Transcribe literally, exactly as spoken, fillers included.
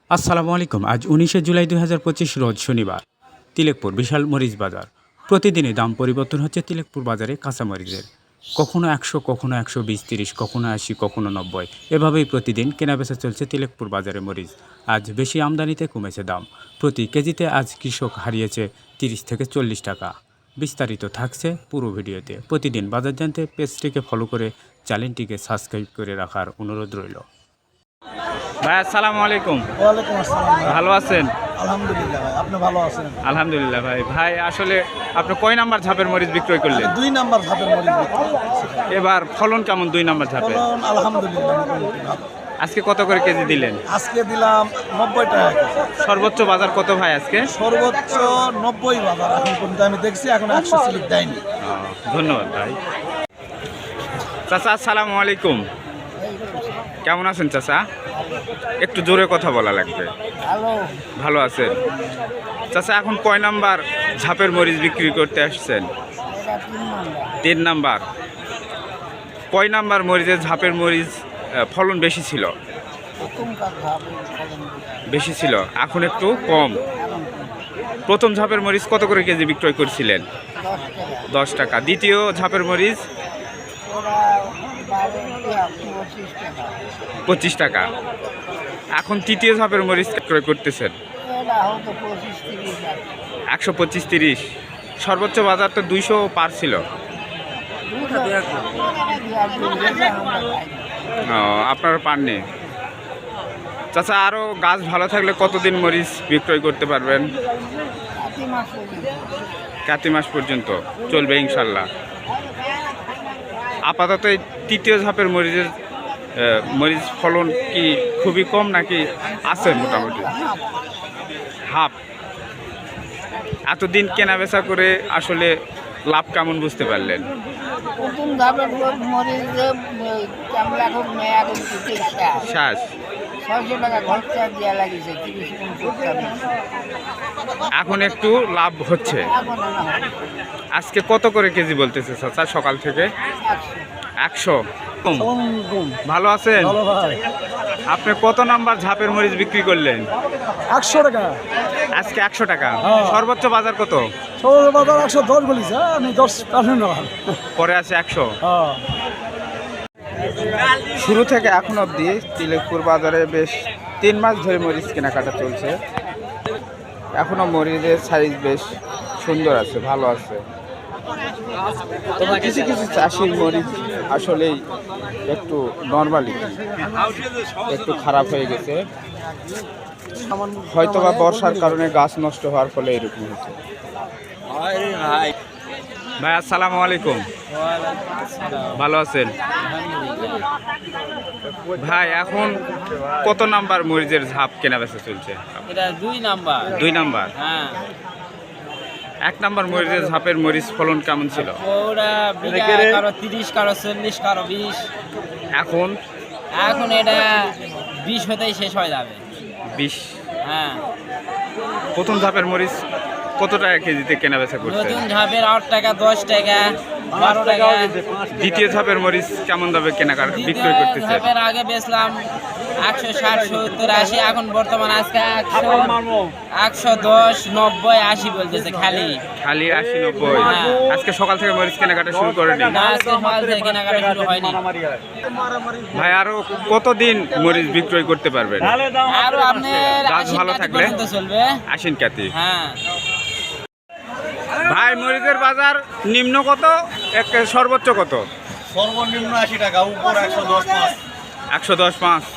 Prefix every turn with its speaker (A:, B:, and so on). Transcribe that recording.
A: আসসালামু আলাইকুম। আজ উনিশে জুলাই দুই হাজার পঁচিশ রোজ শনিবার। তিলেকপুর বিশাল মরিচ বাজার। প্রতিদিনই দাম পরিবর্তন হচ্ছে তিলেকপুর বাজারে কাঁচামরিচের। কখনো একশো, কখনো একশো বিশ তিরিশ, কখনো আশি, কখনো নব্বই। এভাবেই প্রতিদিন কেনাবেচা চলছে তিলেকপুর বাজারে মরিচ। আজ বেশি আমদানিতে কমেছে দাম। প্রতি কেজিতে আজ কৃষক হারিয়েছে তিরিশ থেকে চল্লিশ টাকা। বিস্তারিত থাকছে পুরো ভিডিওতে। প্রতিদিন বাজার জানতে পেজটিকে ফলো করে চ্যানেলটিকে সাবস্ক্রাইব করে রাখার অনুরোধ রইল। ভাই আসসালামু আলাইকুম।
B: ওয়ালাইকুম আসসালাম ভাই।
A: ভালো আছেন?
B: আলহামদুলিল্লাহ ভাই, আপনি ভালো আছেন?
A: আলহামদুলিল্লাহ ভাই। ভাই আসলে আপনি কয় নাম্বার ঝাপের মরিচ বিক্রয় করলেন?
B: দুই নাম্বার ধাপের মরিচ বিক্রি করতেছি।
A: এবার ফলন কেমন দুই নাম্বার ঝাপে?
B: ফলন আলহামদুলিল্লাহ মোটামুটি ভালো।
A: আজকে কত করে কেজি দিলেন?
B: আজকে দিলাম নব্বই টাকা কেজি।
A: সর্বোচ্চ বাজার কত ভাই আজকে?
B: সর্বোচ্চ নব্বই বাজার এখন পর্যন্ত আমি দেখছি, এখন একশো স্লিপ দেয়নি।
A: ও, ধন্যবাদ ভাই। চাচা আসসালামু আলাইকুম। কেমন আছেন চাচা? একটু জোরে কথা বলা লাগবে।
B: হ্যালো,
A: ভালো আছেন? চাচা এখন কয় নাম্বার ঝাপের মরিচ বিক্রি করতে আসছেন? তিন নাম্বার। কয় নাম্বার মরিচের ঝাপের মরিচ আহ, ফলন বেশি ছিল? বেশি ছিল, এখন একটু কম। প্রথম ঝাপের মরিচ কত করে কেজি বিক্রয় করছিলেন? দশ টাকা। দ্বিতীয় ঝাপের মরিচ পঁচিশ টাকা। এখন তৃতীয় ঝাপের মরিচ ক্রয় করতেছেন একশো পঁচিশ তিরিশ। সর্বোচ্চ বাজার তো দুইশো পার ছিল। ও, আপনার পাননি। চাচা আরও গাছ ভালো থাকলে কতদিন মরিচ বিক্রয় করতে পারবেন? কাতি মাস পর্যন্ত চলবে ইনশাল্লাহ। আপাতত এই তৃতীয় ঝাপের মরিচের আহ, মরিচ ফলন কি খুবই কম নাকি আছে মোটামুটি হাফ? এতদিন কেনা বেচা করে আসলে লাভ কেমন বুঝতে পারলেন?
C: প্রথম ধাপের মরিচ
A: শ্বাস
C: ছয়শো টাকা খরচা দেওয়া লাগিয়েছে, তিরিশ পঞ্চাশ।
A: এখন একটু লাভ হচ্ছে।
C: এখন আনা হয়
A: আজকে কত করে কেজি বলতেছে চাচা সকাল থেকে?
C: একশো।
A: একশো। ভালো আছেন?
B: ভালো ভাই।
A: আপনি কত নাম্বার ঝাপের মরিচ বিক্রি করলেন?
B: একশো টাকা।
A: আজকে একশো টাকা।
B: হ্যাঁ।
A: সর্বোচ্চ বাজার কত?
B: সর্বোচ্চ বাজার একশো দশ বলিস, আমি দশ পার্সেন্ট
A: পরে আছে একশো।
B: হ্যাঁ।
A: শুরু থেকে এখন অবধি তিলেকপুর বাজারে বেশ তিন মাস ধরে মরিচ কেনাকাটা চলছে। এখনো মরিচের সাইজ বেশ সুন্দর আছে, ভালো আছে। তবে কিছু কিছু চাষির মরিচ আসলেই একটু নর্মালি একটু খারাপ হয়ে গেছে, হয়তো বা বর্ষার কারণে গাছ নষ্ট হওয়ার ফলে এরকম হচ্ছে। ভাই আসসালামু আলাইকুম। ভালো আছেন? ভাই এখন কত নাম্বার মরিচের ঝাপ কেনা বেচা চলছে?
C: এটা দুই নাম্বার।
A: দুই নাম্বার।
C: হ্যাঁ,
A: এক নাম্বার মরিচের ঝাপের মরিচ ফলন কেমন ছিল?
C: ওরা বিঘা কারো তিরিশ, কারো চল্লিশ, কারো বিশ।
A: এখন
C: এখন এটা বিশ হতেই শেষ হয়ে যাবে।
A: বিশ।
C: হ্যাঁ,
A: প্রথম ঝাপের মরিচ কত টাকা কেজিতে কেনা বেচা করছে?
C: নতুন ঝাপের আট টাকা, দশ টাকা, বারো টাকা।
A: দ্বিতীয় ঝাপের মরিচ কেমন দামে কেনাকাটা বিক্রয়
C: দ্বিতীয়
A: করতেছে?
C: ঝাপের আগে বেচলাম একশো ষাট, সত্তর, আশি। এখন বর্তমান আজকে একশো একশো দশ, নব্বই, আশি বলতেছে খালি।
A: খালি আশি নব্বই।
C: হ্যাঁ।
A: আজকে সকাল থেকে মরিচ কেনাকাটা শুরু করেনি?
C: না, আজকে সকাল থেকে কেনাকাটা শুরু হয়নি।
A: ভাই আরো কতদিন মরিচ বিক্রয় করতে পারবেন?
C: আরো আপনার
A: গাছ
C: আশি
A: ভালো
C: টাকা
A: থাকলে?
C: পর্যন্ত চলবে।
A: আশ্বিন কাতি।
C: হ্যাঁ,
A: ভাই মরিচের বাজার নিম্ন কত, এক সর্বোচ্চ কত?
B: সর্বনিম্ন আশি টাকা, উপর একশো দশ পাঁচ।
A: একশো দশ পাঁচ।